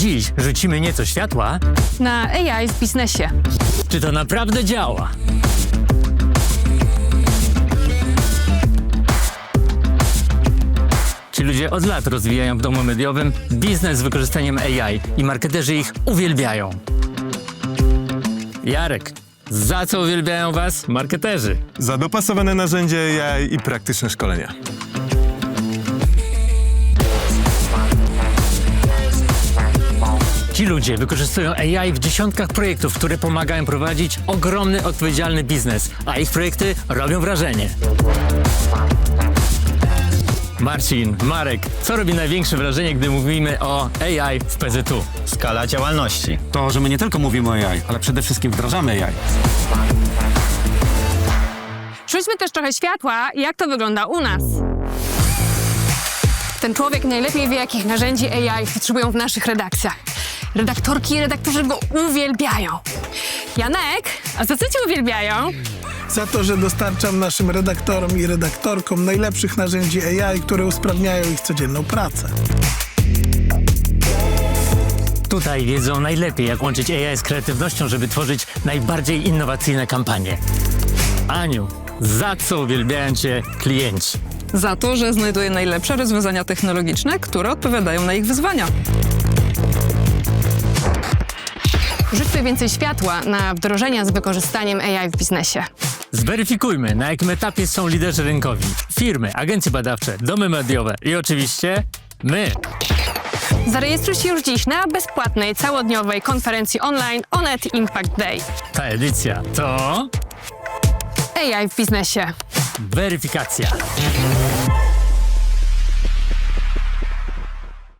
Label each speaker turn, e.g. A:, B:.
A: Dziś rzucimy nieco światła,
B: Na AI w biznesie.
A: czy to naprawdę działa. Ci ludzie od lat rozwijają w domu mediowym biznes z wykorzystaniem AI i marketerzy ich uwielbiają. Jarek, za co uwielbiają was marketerzy?
C: Za dopasowane narzędzie AI i praktyczne szkolenia.
A: Ci ludzie wykorzystują AI w dziesiątkach projektów, które pomagają prowadzić ogromny, odpowiedzialny biznes, a ich projekty robią wrażenie. Marcin, Marek, co robi największe wrażenie, gdy mówimy o AI w PZU?
D: Skala działalności.
E: To, że my nie tylko mówimy o AI, ale przede wszystkim wdrażamy AI.
B: Rzućmy też trochę światła, jak to wygląda u nas. Ten człowiek najlepiej wie, jakich narzędzi AI potrzebują w naszych redakcjach. Redaktorki i redaktorzy go uwielbiają. Janek, a za co cię uwielbiają?
F: Za to, że dostarczam naszym redaktorom i redaktorkom najlepszych narzędzi AI, które usprawniają ich codzienną pracę.
A: Tutaj wiedzą najlepiej, jak łączyć AI z kreatywnością, żeby tworzyć najbardziej innowacyjne kampanie. Aniu, za co uwielbiają cię klienci?
G: Za to, że znajduje najlepsze rozwiązania technologiczne, które odpowiadają na ich wyzwania.
B: Rzućmy więcej światła na wdrożenia z wykorzystaniem AI w biznesie.
A: Zweryfikujmy, na jakim etapie są liderzy rynkowi. Firmy, agencje badawcze, domy mediowe i oczywiście my.
B: Zarejestruj się już dziś na bezpłatnej, całodniowej konferencji online Onet Impact Day.
A: Ta edycja to
B: AI w biznesie.
A: weryfikacja.